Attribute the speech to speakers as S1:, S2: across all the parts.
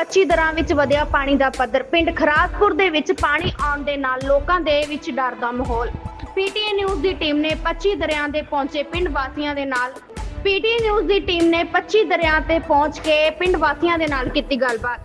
S1: 25 ਦਰਿਆਵਾਂ ਵਿੱਚ ਵਧਿਆ ਪਾਣੀ ਦਾ ਪੱਧਰ। ਪਿੰਡ ਖਰਾਸਪੁਰ ਦੇ ਵਿੱਚ ਪਾਣੀ ਆਉਣ ਦੇ ਨਾਲ ਲੋਕਾਂ ਦੇ ਵਿੱਚ ਡਰ ਦਾ ਮਾਹੌਲ। ਪੀਟੀਏ ਨਿਊਜ਼ ਦੀ ਟੀਮ ਨੇ 25 ਦਰਿਆਵਾਂ ਦੇ ਪਹੁੰਚੇ ਪਿੰਡ ਵਾਸੀਆਂ ਦੇ ਨਾਲ। ਪੀਟੀਏ ਨਿਊਜ਼ ਦੀ ਟੀਮ ਨੇ 25 ਦਰਿਆਵਾਂ ਤੇ ਪਹੁੰਚ ਕੇ ਪਿੰਡ ਵਾਸੀਆਂ ਦੇ ਨਾਲ ਕੀਤੀ ਗੱਲਬਾਤ।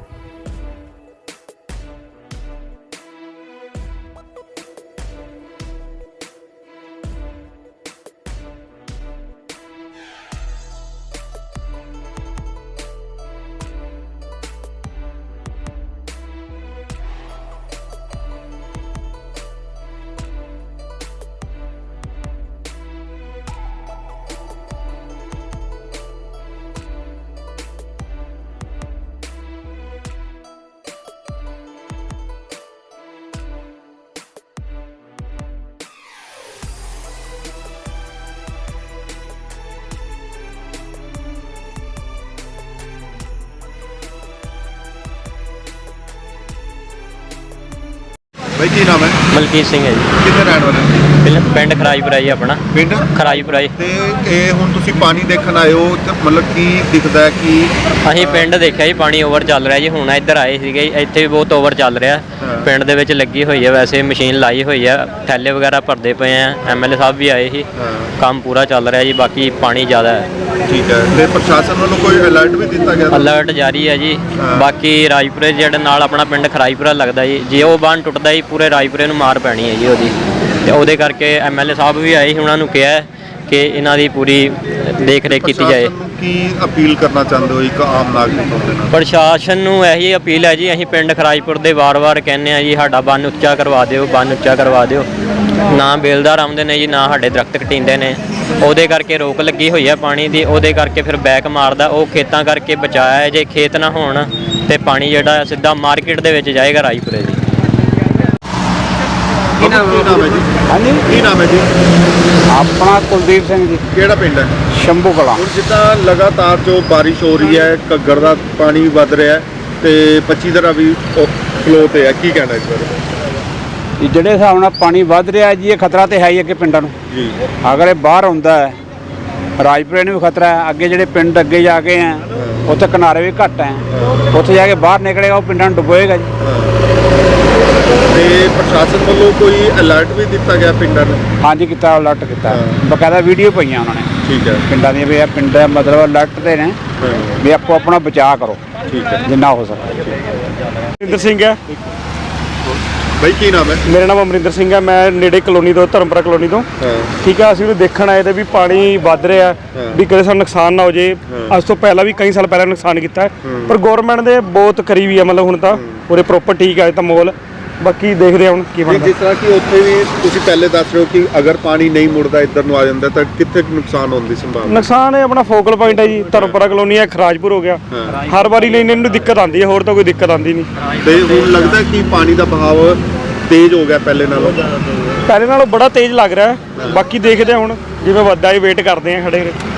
S2: भाई की नाम है?
S3: ਮਲਕੀਤ ਸਿੰਘ ਹੈ ਜੀ।
S2: कितने रहने वाले?
S3: ਪਿੰਡ ਖਰਾਈਪੁਰਾ ਜੀ ਆਪਣਾ।
S2: ਪਿੰਡ
S3: ਖਰਾਈਪੁਰਾ ਜੀ।
S2: ਤੇ ਇਹ ਹੁਣ ਤੁਸੀਂ ਪਾਣੀ ਦੇਖਣ ਆਏ ਹੋ ਤੇ ਮਤਲਬ ਕੀ ਦਿਖਦਾ ਹੈ ਕਿ
S3: ਅਸੀਂ ਪਿੰਡ ਦੇਖਿਆ ਜੀ ਪਾਣੀ ਓਵਰ ਚੱਲ ਰਿਹਾ ਜੀ। ਹੁਣ ਇੱਧਰ ਆਏ ਸੀਗੇ, ਇੱਥੇ ਵੀ ਬਹੁਤ ਓਵਰ ਚੱਲ ਰਿਹਾ। ਪਿੰਡ ਦੇ ਵਿੱਚ ਲੱਗੀ ਹੋਈ ਹੈ, ਵੈਸੇ ਮਸ਼ੀਨ ਲਾਈ ਹੋਈ ਹੈ, ਥੈਲੇ ਵਗੈਰਾ ਭਰਦੇ ਪਏ ਆ। ਐਮਐਲਏ ਸਾਹਿਬ ਵੀ ਆਏ ਸੀ, ਕੰਮ ਪੂਰਾ ਚੱਲ ਰਿਹਾ ਜੀ। ਬਾਕੀ ਪਾਣੀ ਜ਼ਿਆਦਾ ਹੈ।
S2: ਠੀਕ ਹੈ ਤੇ ਪ੍ਰਸ਼ਾਸਨ ਵੱਲੋਂ ਕੋਈ ਅਲਰਟ ਵੀ ਦਿੱਤਾ ਗਿਆ?
S3: ਅਲਰਟ ਜਾਰੀ ਹੈ ਜੀ। ਬਾਕੀ ਰਾਜਪੁਰੇ ਜਿਹੜੇ ਨਾਲ ਆਪਣਾ ਪਿੰਡ ਖਰਾਈਪੁਰਾ ਲੱਗਦਾ ਜੀ, ਜੇ ਉਹ ਬੰਨ ਟੁੱਟਦਾ ਜੀ ਪੂਰੇ ਰਾਜਪੁਰੇ ਨੂੰ ਮਾਰ ਪੈਣੀ ਹੈ ਜੀ ਉਹਦੀ। ਤੇ ਉਹਦੇ ਕਰਕੇ ਐਮਐਲਏ ਸਾਹਿਬ ਵੀ ਆਏ ਸੀ, ਉਹਨਾਂ ਨੂੰ ਕਿਹਾ ਕਿ ਇਹਨਾਂ ਦੀ ਪੂਰੀ ਦੇਖ ਰੇਖ ਕੀਤੀ ਜਾਏ।
S2: ਕੀ ਅਪੀਲ ਕਰਨਾ ਚਾਹੁੰਦੇ ਹੋ ਇੱਕ ਆਮ ਨਾਗਰਿਕ ਹੋਣ ਦੇ ਨਾਲ?
S3: ਪ੍ਰਸ਼ਾਸਨ ਨੂੰ ਇਹੀ ਅਪੀਲ ਹੈ ਜੀ, ਅਸੀਂ ਪਿੰਡ ਖਰਾਈਪੁਰ ਦੇ ਵਾਰ-ਵਾਰ ਕਹਿੰਦੇ ਆ ਜੀ ਸਾਡਾ ਬੰਨ ਉੱਚਾ ਕਰਵਾ ਦਿਓ, ਬੰਨ ਉੱਚਾ ਕਰਵਾ ਦਿਓ। ਨਾ ਬੇਲਦਾਰ ਆਉਂਦੇ ਨੇ ਜੀ, ਨਾ ਸਾਡੇ ਦਰਖਤ ਕਟੀਂਦੇ ਨੇ। ਉਹਦੇ ਕਰਕੇ ਰੋਕ ਲੱਗੀ ਹੋਈ ਹੈ ਪਾਣੀ ਦੀ, ਉਹਦੇ ਕਰਕੇ ਫਿਰ ਬੈਕ ਮਾਰਦਾ। ਉਹ ਖੇਤਾਂ ਕਰਕੇ ਬਚਾਇਆ ਹੈ, ਜੇ ਖੇਤ ਨਾ ਹੋਣ ਤੇ ਪਾਣੀ ਜਿਹੜਾ ਸਿੱਧਾ ਮਾਰਕੀਟ ਦੇ ਵਿੱਚ ਜਾਏਗਾ ਰਾਜਪੁਰੇ ਜੀ।
S2: ਕੀ ਨਾਮ ਹੈ ਜੀ?
S4: ਹਾਂਜੀ,
S2: ਕੀ ਨਾਮ ਹੈ ਜੀ?
S4: ਆਪਣਾ ਕੁਲਦੀਪ ਸਿੰਘ ਜੀ।
S2: ਕਿਹੜਾ ਪਿੰਡ ਹੈ?
S4: ਸ਼ੰਭੂ ਕਲਾਂ।
S2: ਹੁਣ ਜਿੱਦਾਂ ਲਗਾਤਾਰ ਜੋ ਬਾਰਿਸ਼ ਹੋ ਰਹੀ ਹੈ, ਘੱਗਰ ਦਾ ਪਾਣੀ ਵੱਧ ਰਿਹਾ ਹੈ ਤੇ 25 ਦਰਿਆ ਵੀ ਫਲੋ ਤੇ ਹੈ, ਕੀ ਕਹਿਣਾ ਇਸ ਬਾਰੇ?
S4: ਜਿਹੜੇ ਹਿਸਾਬ ਨਾਲ ਪਾਣੀ ਵੱਧ ਰਿਹਾ ਜੀ, ਇਹ ਖਤਰਾ ਤੇ ਹੈ ਹੀ ਅੱਗੇ ਪਿੰਡਾਂ ਨੂੰ।
S2: ਜੀ
S4: ਅਗਰ ਇਹ ਬਾਹਰ ਆਉਂਦਾ ਹੈ, ਰਾਜਪੁਰੇ ਨੂੰ ਵੀ ਖਤਰਾ ਹੈ। ਅੱਗੇ ਜਿਹੜੇ ਪਿੰਡ ਅੱਗੇ ਜਾ ਕੇ ਆ, ਉੱਥੇ ਕਿਨਾਰੇ ਵੀ ਘੱਟ ਹੈ, ਉੱਥੇ ਜਾ ਕੇ ਬਾਹਰ ਨਿਕਲੇਗਾ, ਉਹ ਪਿੰਡਾਂ ਨੂੰ ਡੁਬੋਏਗਾ ਜੀ।
S2: ਤੇ ਪ੍ਰਸ਼ਾਸਨ ਵੱਲੋਂ ਕੋਈ ਅਲਰਟ ਵੀ ਦਿੱਤਾ ਗਿਆ ਪਿੰਡਾਂ ਨੂੰ?
S4: ਹਾਂਜੀ ਕੀਤਾ, ਅਲਰਟ ਕੀਤਾ, ਬਕਾਇਦਾ ਵੀਡੀਓ ਪਈਆਂ ਉਹਨਾਂ ਨੇ
S2: ਠੀਕ ਹੈ,
S4: ਪਿੰਡਾਂ ਦੀਆਂ ਵੀ। ਇਹ ਪਿੰਡ ਮਤਲਬ ਅਲਰਟ ਦੇ ਨੇ ਵੀ ਆਪੋ ਆਪਣਾ ਬਚਾਅ ਕਰੋ
S2: ਠੀਕ ਹੈ।
S4: ਜਿੰਨਾ ਹੋ ਸਕੇ।
S5: ਅਮਰਿੰਦਰ ਸਿੰਘ ਹੈ।
S2: ਬਾਈ ਕੀ ਨਾਮ ਹੈ?
S5: ਮੇਰਾ ਨਾਮ ਅਮਰਿੰਦਰ ਸਿੰਘ ਹੈ। ਮੈਂ ਨੇੜੇ ਕਲੋਨੀ ਤੋਂ, ਧਰਮਪੁਰਾ ਕਲੋਨੀ ਤੋਂ। ਠੀਕ ਹੈ, ਅਸੀਂ ਵੀ ਦੇਖਣ ਆਏ ਤੇ ਵੀ ਪਾਣੀ ਵੱਧ ਰਿਹਾ, ਵੀ ਕਦੇ ਸਾਨੂੰ ਨੁਕਸਾਨ ਨਾ ਹੋ ਜੇ। ਅੱਜ ਤੋਂ ਪਹਿਲਾਂ ਵੀ ਕਈ ਸਾਲ ਪਹਿਲਾਂ ਨੁਕਸਾਨ ਕੀਤਾ, ਪਰ ਗੌਰਮੈਂਟ ਦੇ ਬਹੁਤ ਕਰੀਬੀ ਹੈ। ਮਤਲਬ ਹੁਣ ਤਾਂ ਪੂਰੇ ਪ੍ਰੋਪਰ ਠੀਕ ਹੈ ਤਾਂ ਮਾਹੌਲ। ਬਾਕੀ ਦੇਖਦੇ ਹਾਂ ਹੁਣ ਕੀ ਬਣਦਾ।
S2: ਜਿਸ ਤਰ੍ਹਾਂ ਕਿ ਉੱਥੇ ਵੀ ਤੁਸੀਂ ਪਹਿਲੇ ਦੱਸ ਰਹੇ ਹੋ ਕਿ ਅਗਰ ਪਾਣੀ ਨਹੀਂ ਮੁੜਦਾ ਇੱਧਰ ਨੂੰ ਆ ਜਾਂਦਾ ਤਾਂ ਕਿੱਥੇ ਨੁਕਸਾਨ ਹੋਣ ਦੀ ਸੰਭਾਵਨਾ?
S5: ਨੁਕਸਾਨ ਹੈ ਆਪਣਾ ਫੋਕਲ ਪੁਆਇੰਟ ਹੈ ਜੀ, ਧਰਮਪੁਰਾ ਕਲੋਨੀ ਹੈ, ਖਰਾਜਪੁਰ ਹੋ ਗਿਆ। ਹਰ ਵਾਰੀ ਲਈ ਇਹਨਾਂ ਨੂੰ ਦਿੱਕਤ ਆਉਂਦੀ ਹੈ, ਹੋਰ ਤਾਂ ਕੋਈ ਦਿੱਕਤ ਆਉਂਦੀ ਨਹੀਂ।
S2: ਤੇ ਹੁਣ ਲੱਗਦਾ ਕਿ ਪਾਣੀ ਦਾ ਬਹਾਵ ਤੇਜ਼ ਹੋ ਗਿਆ ਪਹਿਲੇ ਨਾਲੋਂ?
S5: ਪਹਿਲੇ ਨਾਲੋਂ ਬੜਾ ਤੇਜ਼ ਲੱਗ ਰਿਹਾ। ਬਾਕੀ ਦੇਖਦੇ ਹਾਂ ਹੁਣ ਜਿਵੇਂ ਵੱਧਦਾ ਹੈ, ਵੇਟ ਕਰਦੇ ਹਾਂ ਖੜੇ।